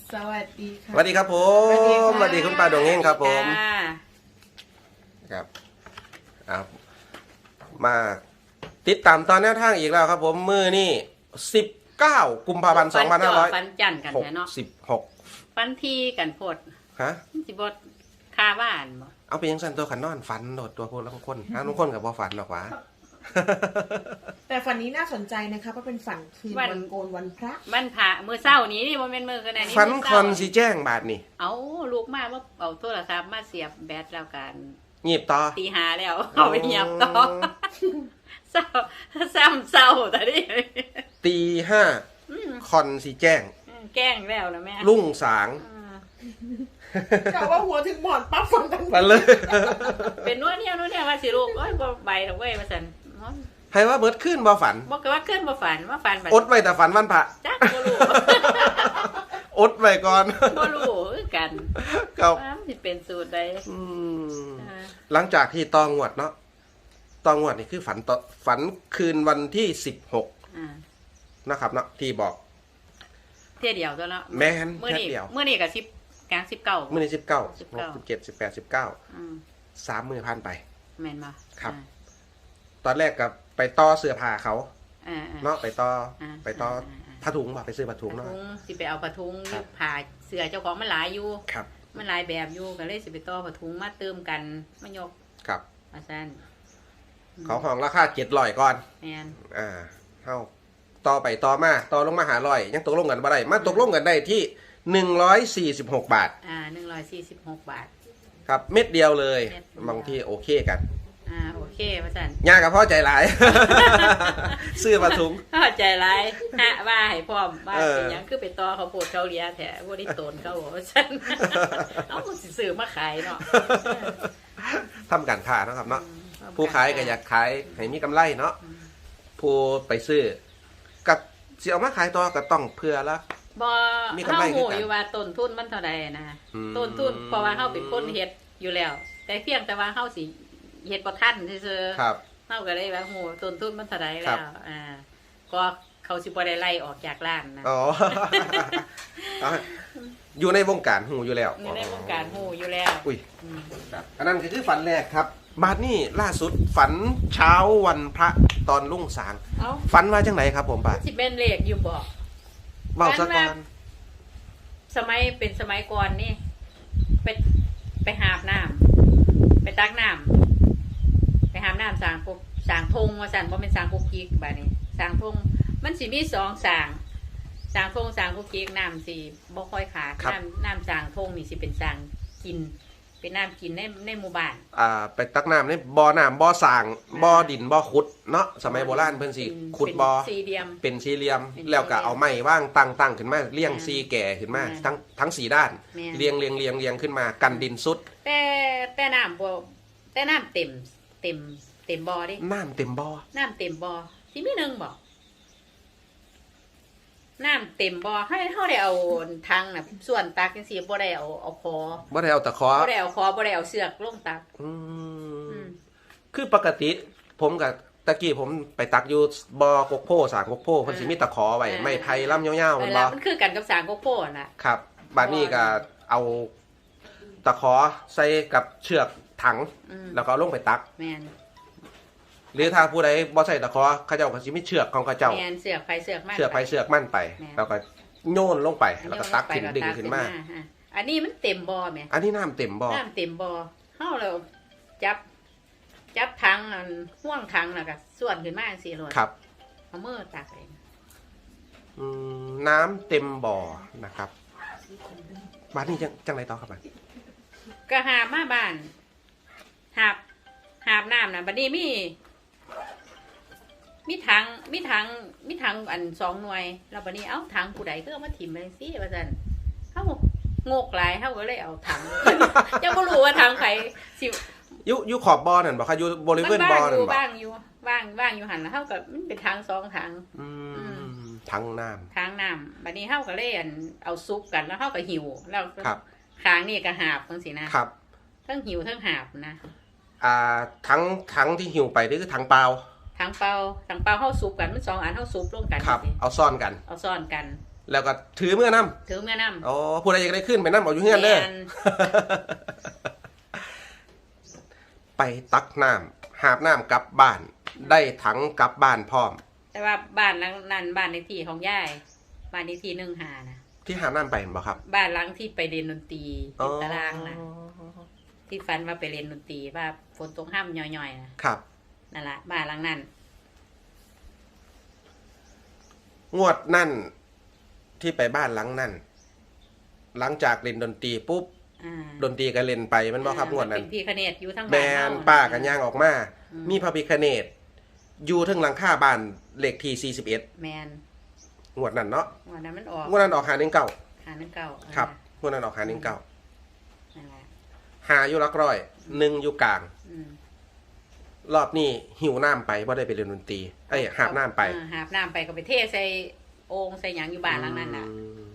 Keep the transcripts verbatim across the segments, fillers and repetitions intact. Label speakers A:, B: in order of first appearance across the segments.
A: สวัสดีค่ะ
B: สวัสดีครับผมสวัสดีคุณป้าดวงเฮงครับผมครับครับมาติดตามตอนแนวทางอีกแล้วครับผมมือนี่สิบเก้ากุมภาพันธ์สองพันห้าร้อย
C: ฟันจันกัน
B: หก
C: แท้เนาะ
B: สิบหก
C: ฟันทีกันโพด
B: ฮะ
C: สิบดคาบ้านบ่
B: เอาไปยังสันตัวขันนอนฝันโดดตัวพวกละคนฮะทุกคนกับบ่ฝันหรอกวะ
A: แต่ฝันนี้น่าสนใจนะคะเพราะเป็นฝันคืนวันโกนวันพระ
C: มันผ่ามือเศร้านี้นี่บ่แม่นมือกันแน่นี่
B: ฝัน
C: มื้
B: ค
C: เศร้า
B: อนสีแจ้งบาทนี่
C: เอาลูกมาว่าเอาโทรศัพท์มาเสียบแบตแล้วกัน
B: หยิบต่อ
C: ตีหาแล้วเอาไปเงียบต่อเศร้าซ้ำเศร้าแต่นี่
B: ตีห้าคอนสีแจ้ง
C: แกล้งแล้วนะแม่
B: รุ่งสาง
C: อ่า
A: กะว่าหัวถึงหมอนปั๊บฝันกัน
B: มาเลย
C: เป็นนวดเนี่ยนวดเนี่ยว่าสิลูกโอ้ยบ่ใบดอกเว้ยว่าซั่น
B: ให้ว่าเบิดขึ้นบ่ฝัน
C: บอกกันว่าเคลื่อนบ่ฝันว่าฝันบัด
B: อดไว้แต่ฝันวันพระ
C: จักบ่รู้
B: อดไว้ก่อน
C: บ่รู้คือกัน
B: ครับ
C: ว่ามันสิเป็นสูตรใด
B: อืม
C: อ่า
B: หลังจากที่ตองวดเนาะตองวดนี่คือฝันต่อฝันคืนวันที่สิบหก
C: อ่า
B: นะครับเนาะที่บอก
C: เที่ยเดียวตัวเนาะ
B: แม่น
C: มื้อ
B: แค่
C: นี้
B: เดียว
C: มื้อนี้ก็สิบกลางสิบเก้า
B: มื่อนี้สิบเก้า
C: สิ
B: สิ
C: บบ เก้า
B: หกสิบเจ็ดสิบแปดสิบเก้า
C: อืม
B: สามมือพันไป
C: แม่นบ่
B: ครับ ตอนแรกกับไปต่อเสื้อผ้าเขา
C: อ่าอ่า
B: เนาะไปต่อ
C: อ่า
B: ไปต่อ
C: อ่าอ่า
B: ผ้าถุงบ่ไปซื้อผ้าถุง
C: ผ้า
B: เนาะ
C: ถุงสิไปเอาผ้าถุง
B: ครับ
C: ผ่าเสื้อเจ้าของมันหลายอยู่
B: ครับ
C: มันหลายแบบอยู่ก็เลยสิไปต่อผ้าถุงมาเติมกันมายก
B: ครับ
C: ว่าซั่น
B: เขาห้องราคาเจ็ดร้อยก่อน
C: แม่น
B: อ่าเท่าต่อไปต่อมาต่อลงมาหาร้อยยังตกลงกันบ่ได้มาตกลงกันได้ที่หนึ่งร้อยสี่สิบหกบาท
C: อ่าหนึ่งร้อยสี่สิบหกบาท
B: ครับเม็ดเดียวเลย
C: เม็ดเดียว
B: บางที่โอเคกัน
C: อ่าโอเคว่าซั่น
B: ยากกับพ่อใจหลาย ซื้อมาถุง
C: เข้าใจไรฮะว่าให้พร้อมว่า
B: เออ
C: เป็นหยังคือไปต่อเขาวโพดเขาเลียแถวบ่ได้โตนเขาบอกว่าฉัน เอาสิซื้อมาขายเนาะ
B: ทำการค้าเนาะครับเนาะ
C: อืม
B: ผู้ขายก็อยากขายให้มีกำไรเนาะผู้ไปซื้อกับสิเอามาขายต่อก็ต้องเพื่อละ
C: บ่
B: มี
C: เฮาก
B: ำไรคือ
C: หู
B: กัน
C: อยู่ว่าต้นทุนมันเท่าใดนะ
B: อืม
C: ต้นทุนเพราะว่าเฮาเป็นคนเฮ็ดอยู่แล้ว แต่เพียงแต่ว่าเฮาสิเฮ็ดบ่ทันซื่อๆ
B: ครับ
C: เฮาก็เลยว่าหูต้นทุนมันเท่าใด
B: ครั
C: แล้
B: บ
C: วอ่าก็เขาสิบ่ได้ไล่ออกจากร้านนะ
B: อ๋อ เอาอยู่ในวงการหูอยู่แล้ว
C: อยู่ในวงการหูอยู่แล้ว
B: อุ้ย
C: อืม
B: ครับอันนั้นก็คือฝันแรกครับ บาดนี้ล่าสุดฝันเช้าวันพระตอนรุ่งสาง
C: เอ้า
B: ฝันว่าจังไหนครับผมป้า
C: สิเป็นเลขอยู่บ่
B: เว้าซะก่อน
C: สมัยเป็นสมัยก่อนนี่ไปไปหาบน้ำไปตักน้ำไปหาบน้ำสางปุกสางทงว่าสันบ่เป็นสางปุกกิกแบบนี้สางทงมันสิมีสองสางสางทงสางปุกกิกน้ำสิบ่ค่อยขาดน้ำน้ำสางทงนี่สิเป็นสางกิน เป็นน้ำกินในในหมู่บ้าน
B: อ่าไปตักน้ำในบ่อน้ำบ่อสร้างบ่อดินบ่อขุดเนาะสมัยโบราณเพิ่นสิ
C: เป็น
B: ขุดบ่อ
C: เป็นสี่เหลี่ยม
B: เป็นสี่เหลี่ยม
C: เป็น
B: แล้วก็เอาไม้ว่างตั้งตั้งขึ้นมาเรียง
C: อ่า
B: สี่แก่ขึ้นมา
C: อ่า
B: ทั้งทั้งสี่ด้าน
C: แม่น
B: เรียงเรียงเรียงเรียงขึ้นมากันดินสุด
C: แต่แต่น้ำบ่แต่น้ำเต็มเต็มเต็มบ่อดิ
B: น้ำเต็มบ่อ
C: น้ำเต็มบ่อสิมีหนึ่งบ่น้ำเต็มบ่อให้เขาได้เอาทางน่ะส่วนตักจังซี่บ่ได้เอาเอาคอ
B: บ่ได้เอาตะขอ
C: บ่ได้เอาคอบ่ได้เอาเสือกลงตัก
B: อื
C: อื
B: ม
C: ม
B: คือปกติผมกับตะกี้ผมไปตักอยู่บ่อกกโพสางกกโพเพิ่นสิมีตะขอไว้ไม้ไผ่ลำยาวๆ
C: เว
B: แม่น
C: ลา
B: บ่
C: มันคือกันกับสางโกโก้น่ะ
B: ครับบัดนี้ก็เอาตะขอใส่กับเชือกถัง
C: อืม
B: แล้วก็เอาลงไปตัก
C: แม่น
B: หรือถ้าผู้ใดบ่ใส่ตะขอเขาเจ้าก็สิมีเชือกของเขาเจ้า
C: แม่นเสือกไฟเสือกมาก
B: เชือกไปเชือกมั่นไป
C: แม่น
B: แล้วก็โยนลงไปแล้วก็ตักขึ้นดึงขึ้นมา
C: ฮะอันนี้มันเต็มบ่อแม่
B: อันนี้น้ำเต็มบ่อ
C: น้ำเต็มบ่อเฮาแล้วจับ จับถังอันห่วงถังแล้วก็ส่วนขึ้นมาจังซี่โลด
B: ครับ
C: เอามือตักเอง
B: อืมน้ำเต็มบ่อนะครับบ้านนี้จังจังไรต่อครับบ้าน
C: ก็หาบมาบ้านหาบหาบน้ำน่ะบัดนี้มี มีถังมีถังมีถังอันสองหน่วยแล้วบัดนี้เอ้าถังผู้ใดก็เอามาถิ่มไปสิว่าซั่นเฮาโงกหลายเฮาก็เลยเอาถัง ยังบ่รู้ว่าถังไผสิ
B: อยู่อยู่ขอบบ่อนั่นบ่ครับอยู่บริเวณบ่อนั่นบ่
C: ว่างอยู่ว่างว่างอยู่หั่นแล้วเฮาก็มันเป็นถังสองถัง
B: อื
C: อื
B: มถังน้
C: ถังน้ำบัดนี้เฮาก็เลยอันเอาซุปกันแล้วเฮาก็หิวแล้ว
B: ครับ
C: ข้างนี่ก็หาบจังซี่นะครับ ทั้งหิวทั้งหาบนะ
B: ำอ่าถังถังที่หิวไปนี่คือถังเปล่า
C: ถังเปล่าถังเปล่าเฮาซุปกันมันสองอันเฮาซุปร่วมกัน
B: ครับ
C: สิ
B: เอาซ่อนกัน
C: เอาซ่อนกัน
B: แล้วก็ถือเมื่อนำ
C: ถือเมื่อน้ำ
B: อ๋อผู้ใดอยากได้ขึ้นไปนำเอาอยู่เฮือนเด้อ
C: แม่น
B: ไปตักน้ำหาบน้ำกลับบ้าน ได้ถังกลับบ้านพร้อม
C: แต่ว่าบ้านหลังนั้นบ้านในที่ของยายบ้านในที่หนึ่งหานะ
B: ที่หาบน้ำไปเห็นบ่ครับ
C: บ้านหลังที่ไปเรียนดนตรี
B: อ๋อ
C: ติดตารางนะที่ฟันว่าไปเรียนดนตรีว่าฝนตกห้ามย่อยๆนะครับ นั่นแหละบ้านหลังนั้น
B: งวดนั่นที่ไปบ้านหลังนั่นหลังจากเล่นดนตรีปุ๊บ
C: อ่า
B: ดนตรีก็เล่นไปมันบ่ครับงวดนั้น
C: เป็นพี่คเนตอยู่ทั้ง
B: แม
C: บ้าน
B: น
C: เฮ
B: ป้ากันย่างออกมา
C: อืม
B: มีพระพิฆเนศอยู่ถึงหลังคาบ้านเลขที่สี่สิบเอ็ด
C: แมน
B: งวดนั้นเนาะ
C: วันนั้นมันออก
B: งวดนั้นออกหาหนึ่งเก้า
C: หาหนึ่งเก้า
B: ครับงวดนั้นออกหาหนึ่งเก้า
C: นั่นแหละ
B: หาอยู่หลักร้อยหนึ่งอยู่กลาง
C: อืม
B: รอบนี้หิวน้ำไปบ่ได้ไปเรียนดนตรีเอ้ยหาบน้ำไป
C: อ่าหาบน้ำไปก็ไปเทใส่โอ่งใส่หยังอยู่บ้านหลังนั้นน่ะ
B: อืม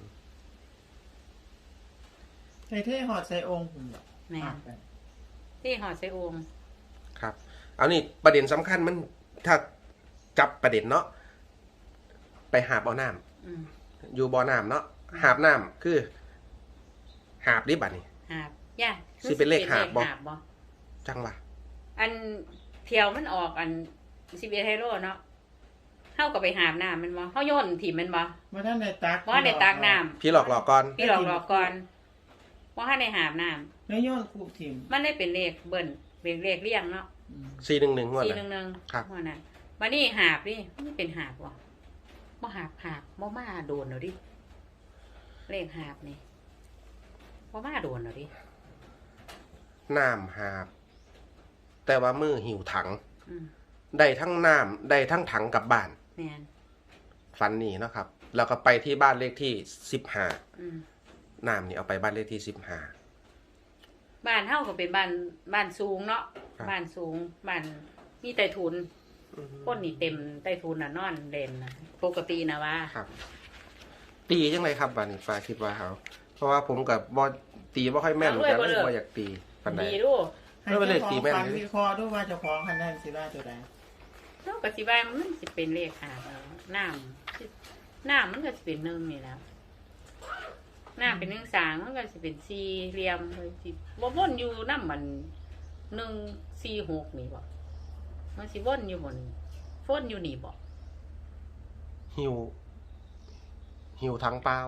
A: ใส่เท่หอดใส่องค์ผมแบบ
C: แม่นที่หอดใส่โอ่ง
B: ครับเอานี่ประเด็นสำคัญมันถ้าจับประเด็นเนาะไปหาบเอาน้ำ
C: อืม
B: อยู่บ่อน้ำเนาะหาบน้ำคือ หาบดิบัดนี่
C: หาบย่า
B: สิเป็นเลขหาบบ่
C: หาบบ่
B: จังวะ
C: อันเที่ยวมันออกอันสิบเอ็ดไฮโร่เนาะเฮาก็ไปหาบน้ำมันบ่เฮาโยนถิ่มมันบ่
A: ว่าท่านในตัก
C: บ่ได้ตากน้ำ
B: พี่หลอกหลอกก่อน
C: พี่หลอกหลอกก่อนบ่ทันได้หาบน้ำ
A: แล้วย้อนคูบทิม
C: มันได้เป็นเลขเบิ้นเป็นเลขเรียงเนาะ
A: อืม
B: สี่หนึ่งหนึ่งงวด
C: สี่
B: นะ
C: หนึ่งหนึ่ง
B: ครับ
C: ว่านั้นบัดนี้หาบนี่มันเป็นหาบบ่บ่หาบหาบบ่มาโดนเอาดิเลขหาบนี่บ่มาโดนเอาดิ
B: น้ำหาบ แต่ว่ามือหิวถัง
C: อืม
B: ได้ทั้งน้ำได้ทั้งถังกลับบ้าน
C: แม่น
B: ฟันนี่เนาะครับ แล้วก็ไปที่บ้านเลขที่สิบห้า
C: อืม
B: น้ำนี่เอาไปบ้านเลขที่สิบห้า
C: บ้านเฮาก็เป็นบ้านบ้านสูงเนาะ
B: ครับ
C: บ้านสูงบ้านมีใต้ถุนคนนี่เต็มใต้ถุนน่ะนอนเล่นน่ะปกตินะว่า
B: ครับ ตีจังไรครับบ้านนี้ฟ้าคิดว่าเขาเพราะว่าผมกับบอตีบ่ค่อยแม่นเหมือนกันเลยบ่อยากตีปันใด
C: ดีดู
A: ให้
B: แล้วเป็นเลข
A: เจ้าข
B: ตี
A: อง
B: แม่น
A: ฟัน
B: เลย
A: วิเคราะห์ด้วยว่าเจ้าของคันนั้นสิว่าตัวใด
C: เฮาก็สิว่ามันสิเป็นเลขหาบเอาน้ำน้ำมันก็สิเป็นหนึ่งนี่แหล้วน้ำเป็นหนึ่งสางมันก็สิเป็นสี่เหลี่ยมเลยสิบ่วนอยู่น้ำมันหนึ่งสี่หกนี่บ่มันสิวนอยู่บนวนอยู่นี่บ่
B: หิว หิวถังเปล่า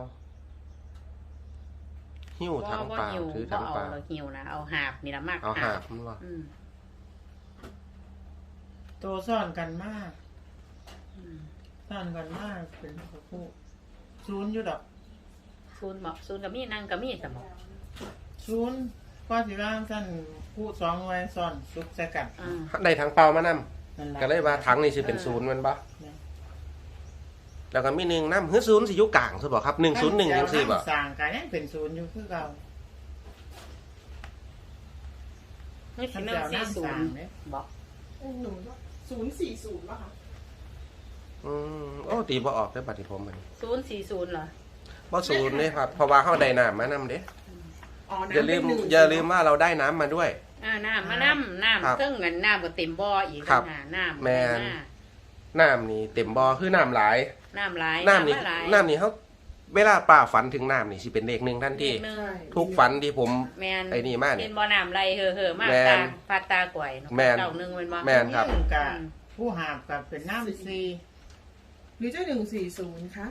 B: หิว
C: บ่
B: ถัง
C: บ่
B: เปล่า
C: หิว
B: ถือ
C: บ่
B: ถัง
C: เอา
B: เปล่า
C: เราหิวนะเอาหาบนี่ละมาก
B: เอาหาบมันบ่
C: อืม
A: ตัวซ่อนกันมาก
C: อืม
A: ซ่อนกันมากเป็นคู่ศูนย์อยู่ดอก
C: ศูนย์บ่ศูนย์ก็มีนั่งก็มีสมอง
A: ศูนย์ก็สิว่าท่านคู่สองไว้ซ่อนซุกใส่กัน
C: อ่า
B: ได้ถังเปล่ามานำ
A: นั่นล่ะ
B: ก็เลยว่าถังนี่สิเป็น
C: เออ
B: ศูนย์แมันบ่
A: เนี่ย
B: แล้วก็มีหนึ่งน้ำเฮ้ยศูนย์สิอยู่กลางซะบ่ครับหนึ่งศูนย์หนึ่งจังซี่บ่
A: สร้างกันยังเป็นศูนย์อยู่คือเก่า
C: นี่สิหนึ่งสี่ศูนย์บ่
D: หนูศูนย์สี่ศูนย์ป่ะคะ
B: อืมโอ้ตีบ่ออกได้อบัดนี้ผมมัน
C: ศูนย์สี่ศูนย์เหรอ
B: บ่ศูนย์เด้ครับเพราะว่าเฮาได้น้ำมานำเด้
D: อ๋อ
B: อย่าลืม
D: น้ำเป็นหนึ่ง
B: อย่าลืมว่าเราได้น้ำมาด้วย
C: อ่าน้ำมาน้ำน้
B: ครับ
C: ำเครื่องเงินน้ำก็เต็มบ่ออีก
B: ครับ
C: ต่างหากน้ำ
B: แม่น น้ำนี่เต็มบ่อคือน้ำหลาย
C: น้ำหลาย
B: น้ำนี่
C: มาหลาย
B: น้ำนี่เขาเวลาป้าฝันถึงน้ำนี่สิเป็นเลขหนึ่งทันที
C: เลขหนึ่ง
D: ใช่
B: ทุกฝันที่ผม
C: แมน
B: ไอ้นี่มาเนี่ย
C: เห็นบ่อน้ำไหลเห่อเห่อๆมาก
B: แม่น
C: ตาพัดตากล้วยเนาะ
B: แม่น
C: เก้าหนึ่งเป็นบ่
B: แม่นครับ
A: ยิ่งกะ
C: อืม
A: ผู้หาบกับเป็นน้ำซี
D: หรือจะหนึ่งสี่ศูนย์คะ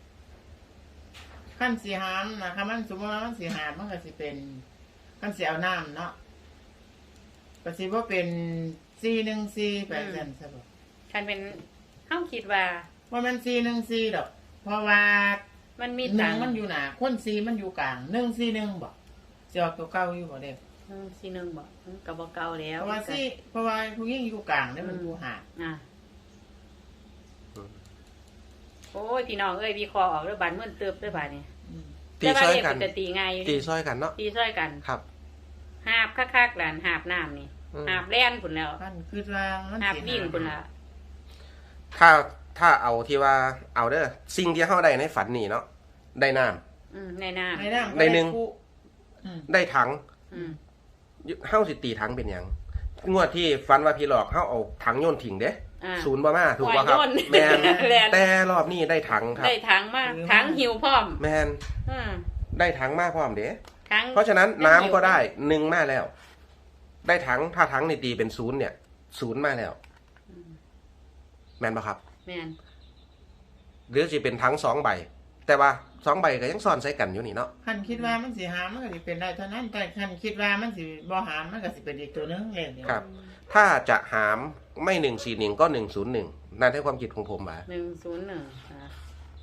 A: ขั้นสีหามนะคะมันสมมติว่ามันสีหามมันก็สิเป็นขั้นสีเอาน้ำเนาะก็สิว่าเป็นซีหนึ่งซีแปดเซนใช่ปะ
C: คันเป็นเฮาคิดว่า
A: ว่ามันซีหนึ่งซีดอก เพราะว่า
C: มันมี
A: หนึ่
C: ตั
A: ง
C: งค์
A: มันอยู่หนาคนซีมันอยู่กลางหนึ่งซีหนึ่งบ่จะออกตัวเก่าอยู่บ่เด็ก
C: อืมสี่หนึ่งบ่อืมก็บ่เก่าแล้ว
A: เพราะว่าซีเพราะว่าผู้หญิงอยู่กลางเนี่ยมันอยู่หา
C: อ่ะ
B: อืม
C: โอ้ยพี่น้องเอ้ยวิเคราะห์ออกแล้วบานเมื่อนเติบด้วยบานนี่
A: อืม
B: ตี
C: แต่ว่า
B: ซ้อย
C: เลข
B: กั
C: มัน นจะตีง่ายอยู่
B: ตี
C: ดิ
B: ซ้อยกันเนาะ
C: ตีซ้อยกัน
B: ครับ
C: หาบคักๆหลานหาบน้ำนี่
B: อืม
C: หาบแล่นพุ่นแล้ว
A: ขั้นคือว่ามัน
C: หาบ
A: สิ
C: วิ่งพุ่นละ
B: ถ้าถ้าเอาที่ว่าเอาเด้อสิ่งที่เฮาได้ในฝันนี่เนาะได้น้
C: อืมในน้ำ
A: ในน้ำก็
B: ในหนึ่ง
A: คู่อืม
B: ำได้ถัง
C: อืม
B: เฮาสิตีถังเป็นหยังงวดที่ฝันว่าพี่หลอกเฮาเอาถังโยนทิ้งเด้
C: อ่า
B: ศูนย์บ่มาถูกป่ะครับ
C: หัวย่น
B: แมน
C: แลน
B: แต่รอบนี้ได้ถังครับ
C: ได้ถังมาถังหิวพร้อม
B: แมน
C: อ่า
B: ได้ถังมาพร้อมเด้
C: ถัง
B: เพราะฉะนั้นน้ำก็ได้หนึ่งมาแล้ว ได้ถังถ้าถังในตีเป็นศูนย์เนี่ยศูนย์มาแล้วแมนป่ะครับ
C: แม่น
B: หรือจะเป็นถังสองใบ แต่ว่าสองใบก็ยังซ่อนใส่กันอยู่นี่เนาะ
A: คันคิดว่ามันสิหามมันก็สิเป็นได้เท่านั้นแต่คันคิดว่ามันสิบ่หามมันก็สิเป็นอีกตัวหนึงเลขเดียว
B: ครับ ถ้าจะหามไม่หนึ่งสี่หนึ่งก็หนึ่งศูนย์หนึ่งนั่นให้ความคิดของผมว่า
C: หนึ่งศูนย์หนึ่งอ่า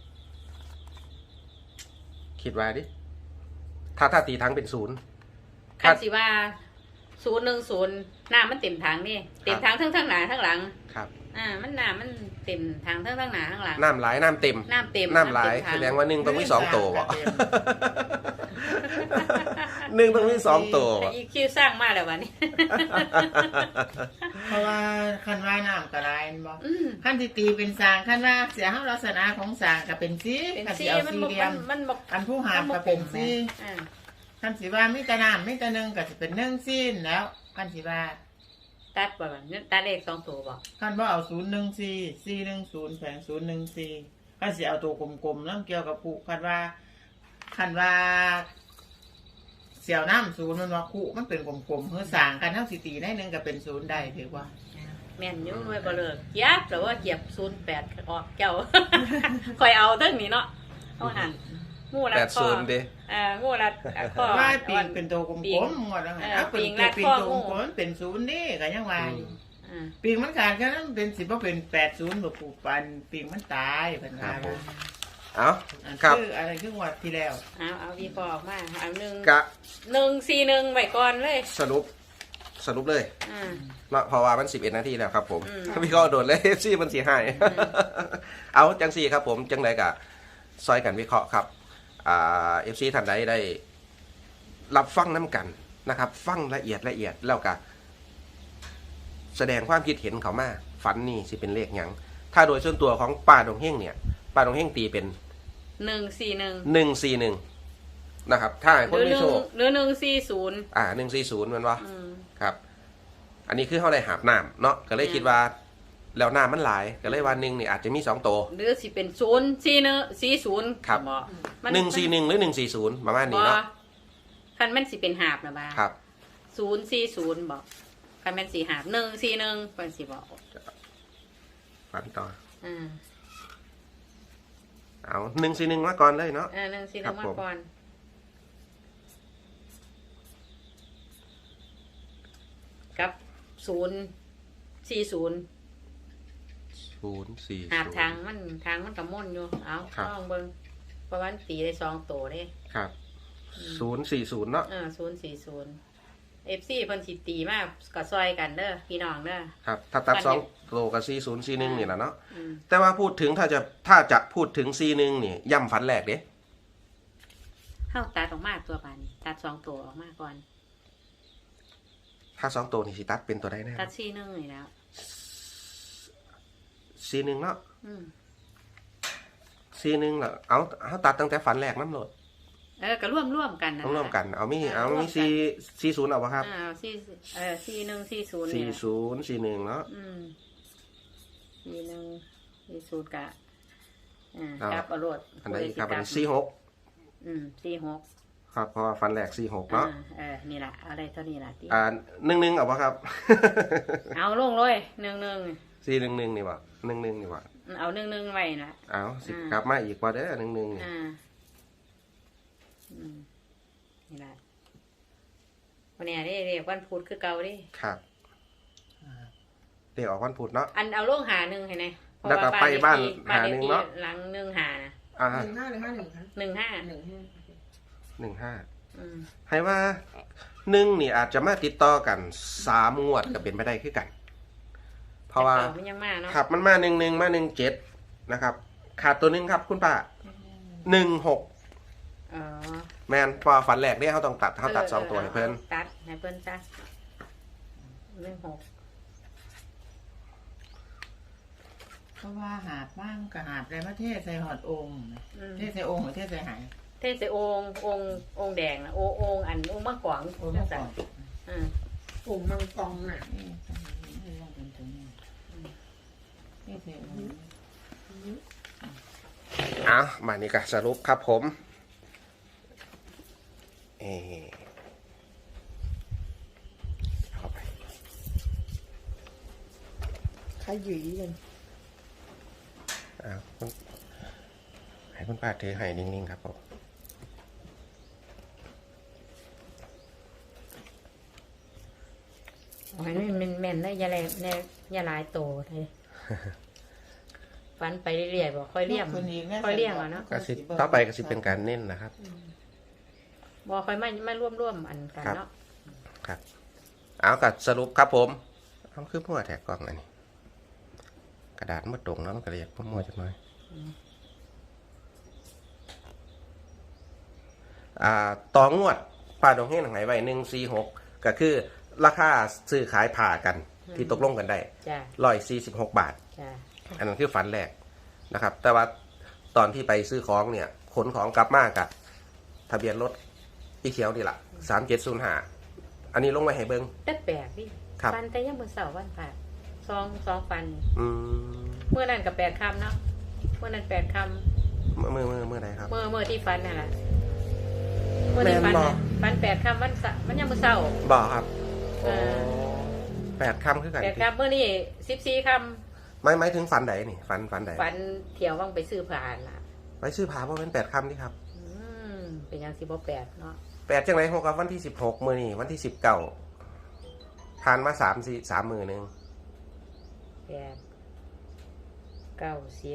B: คิดว่าดิถ้าถ้าตีถังเป็นศูนย์
C: คันสิว่าศูนย์หนึ่งศูนย์น้ำมันเต็มถังนี่เต็มถังทั้งทั้งหน้าทั้งหลัง
B: ครับ
C: อ่ามันน้ำมันเต็มถังทั้งทั้งหน้าทั้งหลัง
B: น้ำหลายน้ำเต็ม
C: น้ำเต็ม
B: น้ำหลาย
C: เต็มถั
B: แสดงว่าหนึ่งต้องมีสองตัวบ่หนึ่งต้องมีสองตัว
C: แต่
B: บ่
C: อีคิวสร้างมาแล้ววันนี้
A: เพราะว่าคันว่าน้ำกระไรบ่
C: อืม
A: คันที่ตีเป็นสร้างคันว่าเสียเฮาลักษณะของสร้างก็เป็นสี
C: เป็น
A: คัน
C: สี
A: สิเอา
C: มัน
A: สี่
C: บ่
A: เหลี่ย
C: มั
A: ม
C: นมันบอก
A: อันผู้หามก็เป็นสี
C: อ่า
A: คันสิว่ามีแต่น้ำมีแต่หนึ่งก็สิเป็นหนึ่งซีนแล้วคันสิว่า
C: ตัดบ่แบบนี้ตัดเลขสองตัวบ่
A: คันว่าเอาศูนย์หนึ่งสี่สี่หนึ่งศูนย์แผงศูนย์หนึ่งสี่คันสิเอาตัวกลมๆแล้วเกี่ยวกับผู้คันว่าคันว่าเสี่ยวน้ำศูนย์มันว่าคู่มันเป็นกลมๆเฮือสร้างกันเท่าสิตีได้หนึ่งก็เป็นศูนย์ได้ถือว่า
C: แม่นอยู่ไว้บ่เลิกเกียบแต่ว่าเกียบศูนย์แปดออกเจ้า คอยเอาเทั้งนี้เนาะเอาหันงูรัด
B: แปด
C: คอ
B: ศูนย์ดิ
C: อ่างูรัดข้อ
A: ว่าปีงเป็นตัวกล
C: ปีง
A: มๆหมดแล้วไง
C: เออ
A: เอาเป็น
C: ปีง
A: ตัว
C: รัด
A: ปีง
C: ข้อ
A: ตัว
C: งู
A: กลมๆมันเป็นศูนย์นี่ก็ยังว่าอยู่
C: อ่า
A: ปีงมันขาดแค่นั้นเป็นสิบว่าเป็นแปดศูนย์แบบปูปันปีงมันตายเพิ่น
B: ครั
A: ว่า
B: บผม เอา
A: อัน
B: ครับ
A: คืออะไรคือวัดที่แล้ว
C: เอาเอาวีพอออกมาเอาหนึ่ง
B: กะ
C: หนึ่งสี่หนึ่งไว้ก่อนเลย
B: สรุปสรุปเลย
C: อ่า
B: เนาะเพราะว่ามันสิบเอ็ดนาทีแล้วครับผม
C: อืม
B: พี่ก็โดดเลย เอฟซีมันสีหาย เอาจังซีครับผมจังไรกะซอยกันวิเคราะห์ครับอ่าเอฟซีท่านใดได้ รับฟังน้ำกันนะครับ ฟังละเอียดละเอียดแล้วก็แสดงความคิดเห็นเขามาฝันนี่สิเป็นเลขหยังถ้าโดยส่วนตัวของป้าดงเฮงเนี่ยป้าดงเฮงตีเป็น
C: หนึ่งสี่หนึ่ง
B: หนึ่งสี่หนึ่งนะครับ ถ้าให้
C: ห
B: คน
C: รือ
B: ไม่
C: หนึ่
B: โช
C: ง
B: ค
C: หรือหนึ่งสี่ศูนย์
B: อ่าหนึ่งสี่ศูนย์มันวะ
C: อืม
B: ครับ อันนี้คือเขาได้หาบน้ำเนาะก็เลยคิดว่า แล้วน้ำมันหลายก็เลยวันหนึ่งนี่อาจจะมีสองตัว
C: หรือสิเป็นศูนย์สี่หนึ่งสี่ศูนย์
B: ครับ
C: มั
B: หนึ่งสี่หนึ่งหรือหนึ่งสี่ศูนย์ประมาณนี้เนาะ
C: คันแม่นสิเป็นหาบนะบ้า
B: ครับ
C: ศูนย์สี่ศูนย์บอกคันแม่นสี่หาบหนึ่งสี่หนึ่งเป็นสิบอก
B: ฝันต่อ
C: อ่า
B: เอาหนึ่งสี่หนึ่งมาก่อนเลยเนาะ
C: เออหนึ่งสี่ห
B: ครั
C: นึ่
B: บ
C: ง
B: ผม
C: มาก่อนกับศูนย์สี่ศูนย์
B: ศูนย์สี่
C: หาบทางมันทางมันกับม่นอยู่เอา
B: ครับ
C: ลองเบิ่งเพราะว่ามันตีได้สองตัวเด้
B: ครับศูนย์สี่ศูนย์เนาะ
C: เออศูนย์สี่ศูนย์เอฟซีเพิ่นสิตีมากก็ซอยกันเด้อพี่น้องเด้อ
B: ครับ ถ้าตัด
C: อัน
B: สอง
C: นี้
B: โลกับสี่ศูนย์สี่หนึ่งนี่แหละเนาะ
C: อืม
B: แต่ว่าพูดถึงถ้าจะถ้าจะพูดถึงสี่หนึ่งนี่ย่ำฝันแรกเด้
C: เข้าตัดออกมาตัวบานนี้ตัดสองตัวออกมาก่อน
B: ถ้าสองตัวนี่สิตัดเป็นตัวใดแน่
C: ตัดสี่หนึ่งนี่แล้ว
B: สี่หนึ่งเนาะ
C: อืม
B: สี่หนึ่งเหรอเอาเอาตัดตั้งแต่ฝันแรกน้ำโหลด
C: เออก็ร่วมร่วมกันนะ
B: ต้องร่วมกัน เอามี
C: เออ
B: เอา
C: ร่วม
B: มี
C: กัน
B: สี่สี่ศูนย์เอาปะครับ
C: อ่าสี่เออสี่หนึ่งสี่ศูนย์
B: สี่
C: เนี่ย
B: ศูนย์สี่หนึ่งเนาะ
C: อืมสี่หนึ่งสี่ศูนย์กะอ่า
B: เอา
C: ครับอรวด
B: อันไหนอีกครับอันนี้สี่หก
C: อืมสี่หก
B: ครับเพราะว่าฝันแรกสี่หก
C: อ่า
B: เนาะ
C: เออนี่แหละเอาอะไรเท่านี้แหละที่
B: อ่าหนึ่งหนึ่งเอาปะครับ
C: เอาลงเลยหนึ่งหนึ่ง
B: สี่หนึ่งหนึ่งนี่วะหนึ่งหนึ่งนี่วะ
C: เอาหนึ่งหนึ่งไว้นะ
B: เอาสิ
C: อ่า
B: กลับมาอีกว่าเด้อหนึ่งหนึ่งนี่
C: อ่าอืมนี่แหละวันนี้เรียกวันพุธคือเก่าเดิ
B: ครับเดี๋ยวออกวันพุธเนาะ
C: อันเอาลงหาหนึ่งเห็นไหมเพระ
B: แล้วก็ไปบ้านหาหนึ่งเนาะ
C: หลังหนึ่งหานะ
B: อ่า
D: หนึ่งห้าหรือห้าหนึ่งคะ
C: หนึ่งห้า
D: หนึ่งห้า
B: หนึ่งห้า
C: อืม
B: ให้ว่าหนึ่งนี่อาจจะมาติดต่อกันสามงวดก็เป็นไปได้คือกัน เพราะว่า
C: แต่ก่อนมันยังมาเนาะ
B: ขับมันมาหนึ่งหนึ่งมาหนึ่งเจ็ดนะครับ ขาดตัวหนึ่งครับคุณป้าหนึ่งหก
C: อ๋อ
B: แมนพอฝันแรกเนี่ยเขาต้องตัดเขาตัดสองตัวให้เพิ่น
C: ตัดให้เพิ่นจ้ะหนึ่งหก
A: เพราะว่าหาบบ้างกับหาบอะไรมาเทศใส่หอดองค์นะ
C: อืม
A: เทศใส่องค์หรือเทศใส่หาย
C: เทศองค์องค์องค์แดงนะโอองค์อันองค์มะกวาง
A: โอ้ยเมื่อก่อน
C: อืม
D: ปุ่มมังกรน่ะ
A: นี่ต้องมีเรื่องเป็นตัวนี้นี่สิ
B: อ่ะมานี่ก็สรุปครับผมเออเข้าไป
D: ขยี้กัน
B: อ่าคุณให้คุณป้าถือให้นิ่งๆครับผม
C: โอ้ยนี่มันแม่นได้ยาแลแน่ยาหลายโตเลยฟันไปเรื่อยๆบอกค่อยเลี้ยงค่อยเลี้ยงอ่ะเนาะ
B: ก็สิต่อไปก็สิเป็นการเน้นนะครับ
C: บอกค่อยไม่ไม่ร่วมร่วมอันกันเนาะ
B: ครับเอากัดสรุปครับผมเอาคือมั่วแถกกล้องอันนี้กระดาษมันตรงแล้วมันก็เลยอยากมั่วจังเลยอ่าต่องวดป้าดงเฮงหายไปหนึ่งสี่หกก็คือราคาซื้อขายผ่ากันที่ตกลงกันได้
C: จ้ะ
B: ร้อยสี่สิบหกบาท
C: จ้ะ
B: อันนั้นคือฝันแรกนะครับ แต่ว่าตอนที่ไปซื้อของเนี่ยขนของกลับมากับทะเบียนรถอีเขียวนี่แหละสามเจ็ดศูนย์ห้าอันนี้ลงไว้ให้เบิ้ง
C: แต่แปลกดิ
B: ครับ
C: ฟันแต่ยังมือเสาร์วันผ่าซองซองฟัน
B: อืม
C: เมื่อนั้นกับแปดคำเนาะเมื่อนั้นแปดค
B: เมื่อเมื่อเมื่อเมื่อไหนครับ
C: ำเมื่อเมื่อที่ฟันน่ะแหละเมื่อที่ฟัน
B: แม่นบ่
C: น่ะฟันแปดคำวันเสาร์มันยังมือเสาร์
B: บอกครับ
C: เออ
B: แปดคำคือกัน
C: แปดคำเมื่อนี่สิบสี่ค
B: ไม่ไม่ถึงฝันใดนี่ฝันฝันใด
C: ำฟันเที่ยวว่างไปซื้อผ่านล่ะ
B: ไปซื้อผาเพราะเป็นแปดคำนี่ครับ
C: อืมเป็นยังสิบแปดเนาะ
B: แปดจังไรหกกับวันที่สิบหกมือนี่วันที่สิบเก้าผ่านมาสามสี่สามมือหนึ่ง
C: แปดเก้าสิบ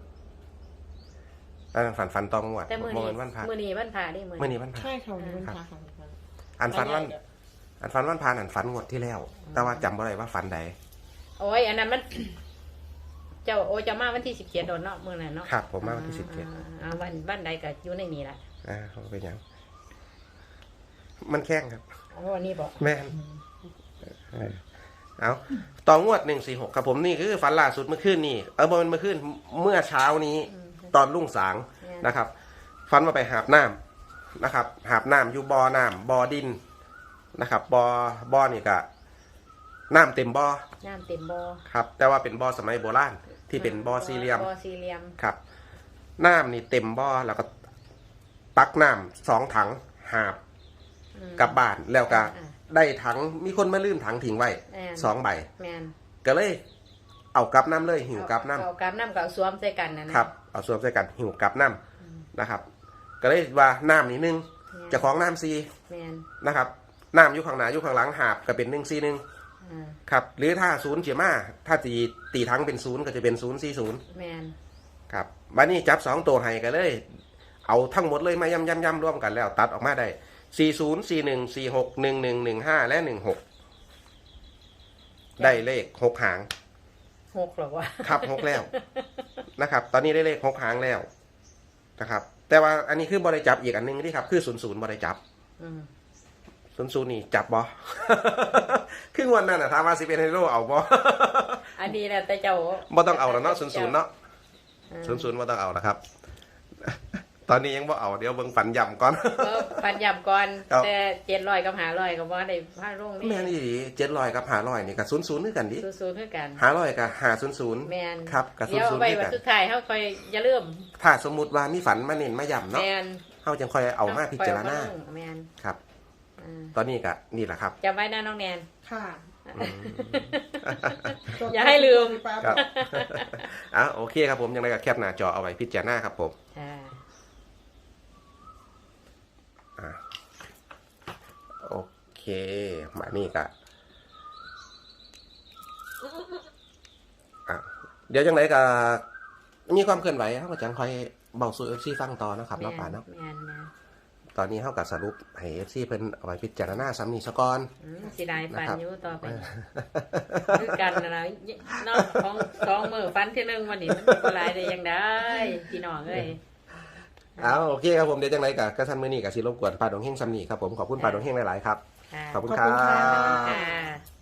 B: แล้วฝันฝันตองงวด
C: แต่มือ
B: บ่
C: นี้
B: แม่นวันพระ
C: มือนี้วันผ่าได้มือ
B: มือนี้วันพระ
D: ใช่ค่ะวันนี้วันพระค่ะ
B: อันฝันวันอันฝันวันพานอันฝันงวดที่แล้ว แต่ว่าจำบ่ได้ว่าฝันใด
C: โอ้ยอันนั้นมัน เจ้าโอจะมาวันที่สิบเจ็ดโดนเนาะมือนั้นเนาะ
B: ครับผมมาวันที่สิบเจ็ด
C: อ่าวันวันใดก็อยู่ในนี้แหละ
B: อ่าเขาเป็นหยัง มันแข้งครับ
C: โอ้อันนี้บอก
B: แม่นเออเอาต่องวดหนึ่งสี่หกครับผมนี่คือฝันล่าสุดเมื่อคืนนี่เออบ่แมันเมื่อคืนเมื่อเช้านี้ ตอนรุ่งสางนะครับฝันว่าไปหาบน้ำนะครับ หาบน้ำอยู่บ่อน้ำบ่อดินนะครับบ่อบ่อนี่ก็น้ำเต็มบ่อ
C: น้ำเต็มบ่อ
B: ครับ แต่ว่าเป็นบ่อสมัยโบราณที่เป็นบ่อสี่เหลี่ยม
C: บ่อสี่เหลี่ยม
B: ครับน้ำนี่เต็มบ่อแล้วก็ตักน้ำสองถังหาบ
C: อืม
B: กลับบ้านแล้วก็
C: อ่า
B: ได้ถังมีคนมาลืมถังทิ้งไว้
C: แม่น
B: สองใบ
C: แมน
B: ก็เลย เอากลับน้ำเลยหิวกลับน้
C: เอากลับน้ำกับเอาสวมใส่กันนะนะ
B: ำครับเอาสวมใส่กันหิวกลับน้ำนะครับ ก็เลยว่าน้ำนี่หนึ่งเจะของน้ำซี
C: แมน
B: นะครับน้ำอยู่ข้างหน้าอยู่ข้างหลังหาบก็เป็นหนึ่งซีหนึ่ง
C: อ่า
B: ครับหรือถ้าศูนย์เฉียมาถ้าตีตีทั้งเป็นศูนย์ก็จะเป็นศูนย์สี่ศูนย์
C: แมน
B: ครับวันนี้จับสองตัวให้กันเลย เอาทั้งหมดเลยมาย่ำย่ำย่ำร่วมกันแล้วตัดออกมาได้สี่ศูนย์สี่หนึ่งสี่หกหนึ่งหนึ่งหนึ่งห้าและหนึ่งหกได้เลขหกหาง
C: หกหรอวะ
B: ครับหกแล้วนะครับ ตอนนี้ได้เลขหกหางแล้วนะครับ แต่ว่าอันนี้คือบริจับอีกอันหนึงที่ครับ คือศูนย์ศูนย์บริจับ
C: อืม
B: ศูนย์ศูนย์นี่จับบอ ครึ่งวันนั้นนะถามว่าสิเป็นไฮโร่เอาบอ
C: อันนี้แหละแต่เจ้า
B: บ่ต้องเอาแล้วเนาะศูนย์ศูนย์เนาะ
C: อ่า
B: ศูนย์ศูนย์บ่ต้องเอานะครับ ตอนนี้ยังบ่เอาเดี๋ยวเบิ่งฝันย่ำก่อน
C: เออปันยำก่อน
B: ครับ
C: แต่เจ็ดร้อยกับหาร้อยกับว่าได้ผ้าร่งนี่
B: แม่นอี่เจ็ดร้อยกับห้าร้อยนี่กับศูนย์ศูนย์คือกันดิ
C: สู้ๆเพื่อกัน
B: ห้าร้อยกับห้าศูนย์ศูนย์
C: แมน
B: ครับกับศู
C: เดี๋
B: น
C: ยว
B: ย์ศูนย์
C: ไป
B: คือ
C: วัน
B: กัน
C: สุดท้ายเขาคอยอย่าลืม
B: ถ้าสมมุติว่ามีฝันมาเน้นมาย่ำ
C: แม
B: เนาะ
C: น
B: เฮาจังค่อยเอามาพิจารณา
C: คอยเอมลงแมน
B: ครับ
C: อ่า
B: ตอนนี้ก็นี่แหละครับ
C: จำไว้นะน้องแนน
D: ค่ะ
B: อืม
C: อย่าให้ลืม
B: ครับ อ่ะโอเคครับผมยังไงก็แคปหน้าจอเอาไว้พิจารณาครับผม
C: อ่า
B: อ่ะโอเคมานี่ก็อ่ะเดี๋ยวจังไรก็มีความเคลื่อนไหวเขาก็จังคอยเบาสู่เอฟซีฟังต่อนะครับ
C: แม
B: เนาะป่าน เนาะ
C: แมนนะ
B: ตอนนี้เขากับสรุปให้เอฟซีเพิ่นเอาไว้พิจารณาซ้ำนี่ซะก่อน
C: อืมสิได้ปัน
B: นะครับ
C: อยู่ต่อไปคือกันนะนะนอกของสองมือฟันที่หนึ่งวันนี้มันเป็นไรได้ยังได้พี่น้องเอ้ย
B: เอาโอเคครับผมเดี๋ยวจังไรกับกระทันมือนี่กับสิรบกวนปาดงเฮงซ้ำนี่ครับผมขอบคุณปาดงเฮงหลายๆครับ
C: ค่ะ
B: ขอบคุณ
D: ขอบ
B: ครั
D: คุณค่ะ
B: บ
C: ค่ะ